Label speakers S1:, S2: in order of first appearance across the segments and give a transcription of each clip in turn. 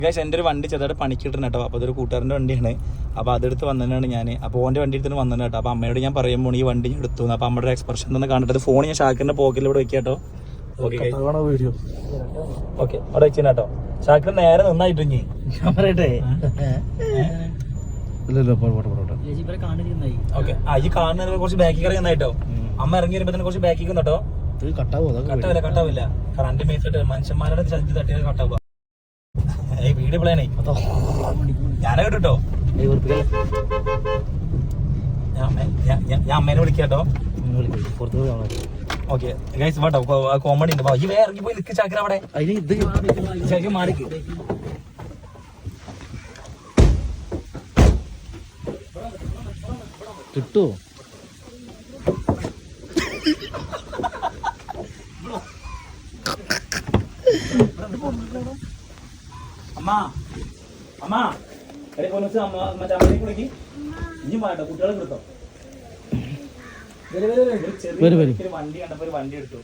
S1: Guys എൻ്റെ ഒരു വണ്ടി ചെറുതായിട്ട് പണിക്കിട്ടുണ്ട് കേട്ടോ. അപ്പോൾ അതൊരു കൂട്ടുകാരൻ്റെ വണ്ടിയാണ്. അപ്പോൾ അതെടുത്ത് വന്നതാണ് ഞാൻ. അപ്പോൾ ഓൻ്റെ വണ്ടി എടുത്തിട്ട് വന്നതാണ് കേട്ടോ. അപ്പോൾ അമ്മയോട് ഞാൻ പറയുമ്പോൾ ഈ വണ്ടി ഞാൻ എടുത്തു. അപ്പോൾ അമ്മയുടെ എക്സ്പ്രഷൻ ഒന്ന് കണ്ടിട്ട് ഫോൺ ഞാൻ ഷാക്കിറിൻ്റെ പോക്കറ്റിലൂടെ വെക്കാം കേട്ടോ. ഓക്കെ ഓക്കെ അവിടെ വെച്ചാൽ കേട്ടോ. ഷാക്കിർ നേരെ നന്നായിട്ട് ഇനി ഞാൻ പറയട്ടെ. ഓക്കെ ഈ കാണുന്ന കുറച്ച് ബാക്കി കറി നന്നായിട്ടോ. അമ്മ ഇറങ്ങി വരുമ്പോ തന്നെ കുറച്ച് ബാക്കി കേട്ടോ. കട്ടാവില്ല കാരണം എന്റെ മേത്തിട്ട് മനുഷ്യന്മാരുടെ ചതി തട്ടിയത് കട്ടാവുക. വീട് പ്ലാനേ ഞാനെ കേട്ടോ. ഞാൻ അമ്മേനെ വിളിക്കാട്ടോ. ഓക്കെ ഗൈസ് വാട്ടോ കോമഡി ഉണ്ട്. ഈ വേറെ ഇറങ്ങി പോയി നിൽക്ക് ചാക്കര അവിടെ. ശരിക്കും മാറിക്ക്
S2: കിട്ടുവോ?
S1: അമ്മ അമ്മ അമ്മ കുളിക്ക് ഇനി മാട്ടോ കുട്ടികളെ കൊടുത്തോ. വണ്ടി കണ്ടപ്പോ ഒരു വണ്ടി എടുത്തു.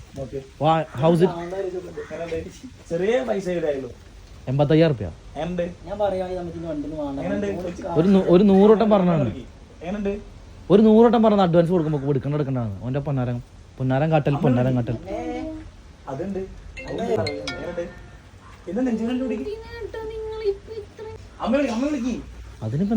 S1: ചെറിയ പൈസ ആയുള്ളൂ.
S2: 85,000 റുപ്യ. ഒരു 100 വട്ടം പറഞ്ഞാണ്. ഒരു 100 വട്ടം പറഞ്ഞ അഡ്വാൻസ് കൊടുക്കുമ്പോ എടുക്കണ്ടാണ്. ഓന്റെ പൊന്നാരം കാട്ടൽ
S1: അതുണ്ട്.
S2: അതിനിപ്പോ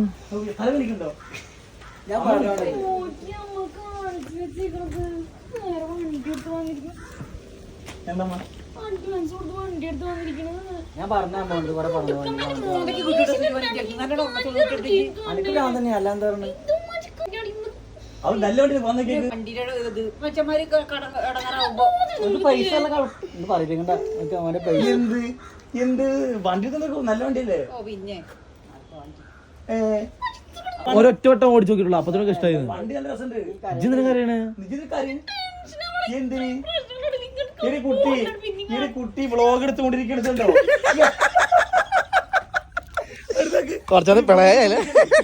S1: എന്ത് വണ്ടി നല്ല വണ്ടിയല്ലേ?
S2: ഒരൊറ്റ വട്ടം ഓടിച്ചു നോക്കിയിട്ടുള്ളൂ. അപ്പൊ തന്നെ ഇഷ്ടമായിരുന്നു.
S1: വണ്ടി നല്ല രസമുണ്ട്. കുട്ടി വ്ളോഗ് എടുത്തുകൊണ്ടിരിക്കണോ?
S2: കുറച്ചത് പിളയല്ലേ?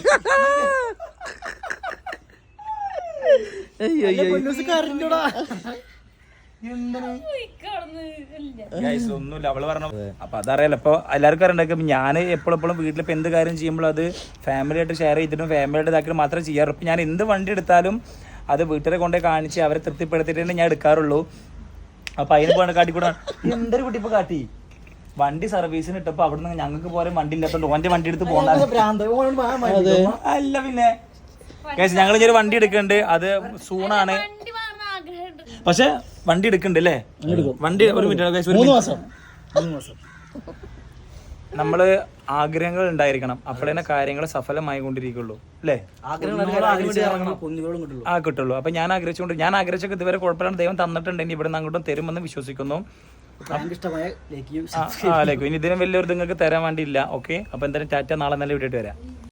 S1: ഒന്നുമില്ല അവള് പറഞ്ഞു. അപ്പൊ അതറിയാലോ. ഇപ്പൊ എല്ലാവർക്കും അറിയണ്ടാക്കും ഞാൻ എപ്പോഴും വീട്ടിലിപ്പോ എന്ത് കാര്യം ചെയ്യുമ്പോൾ അത് ഫാമിലി ആയിട്ട് ഷെയർ ചെയ്തിട്ടും ഫാമിലി ആയിട്ട് ഇതാക്കിയിട്ട് മാത്രമേ ചെയ്യാറുള്ളൂ. ഇപ്പൊ ഞാൻ എന്ത് വണ്ടി എടുത്താലും അത് വീട്ടിലെ കൊണ്ടേ കാണിച്ച് അവരെ തൃപ്തിപ്പെടുത്തിയിട്ട് ഞാൻ എടുക്കാറുള്ളൂ. അപ്പൊ അതിന് പോകണ കാട്ടിക്കൂടാ എന്തൊരു കുട്ടി ഇപ്പൊ കാട്ടി. വണ്ടി സർവീസിന് ഇട്ടപ്പോ അവിടുന്ന് ഞങ്ങൾക്ക് പോലെ വണ്ടി ഇല്ലാത്തോണ്ട് ഓന്റെ വണ്ടി എടുത്ത് പോകണ്ട. അല്ല പിന്നെ ഞങ്ങൾ ഇനി ഒരു വണ്ടി എടുക്കുന്നുണ്ട്. അത് സൂണാണ്. പക്ഷെ വണ്ടി എടുക്കണ്ട് അല്ലേ? വണ്ടി ഒരു മിനിറ്റ്.
S2: 3 മാസം
S1: നമ്മള് ആഗ്രഹങ്ങൾ ഉണ്ടായിരിക്കണം. അപ്പോഴേ കാര്യങ്ങൾ സഫലമായി കൊണ്ടിരിക്കുള്ളൂ അല്ലേ? കിട്ടുള്ളൂ. അപ്പൊ ഞാൻ ആഗ്രഹിച്ചൊക്കെ ഇതുവരെ കുഴപ്പമില്ലാണ്ട് ദൈവം തന്നിട്ടുണ്ടെങ്കിൽ ഇവിടെ നിന്ന് അങ്ങോട്ടും തരുമെന്ന് വിശ്വസിക്കുന്നു. ഇനി ഇതിനും വലിയൊരു നിങ്ങൾക്ക് തരാൻ വേണ്ടിയില്ല. ഓക്കെ, അപ്പൊ എന്തായാലും ടാറ്റ. നാളെ നല്ല വീട്ടിട്ട് വരാം.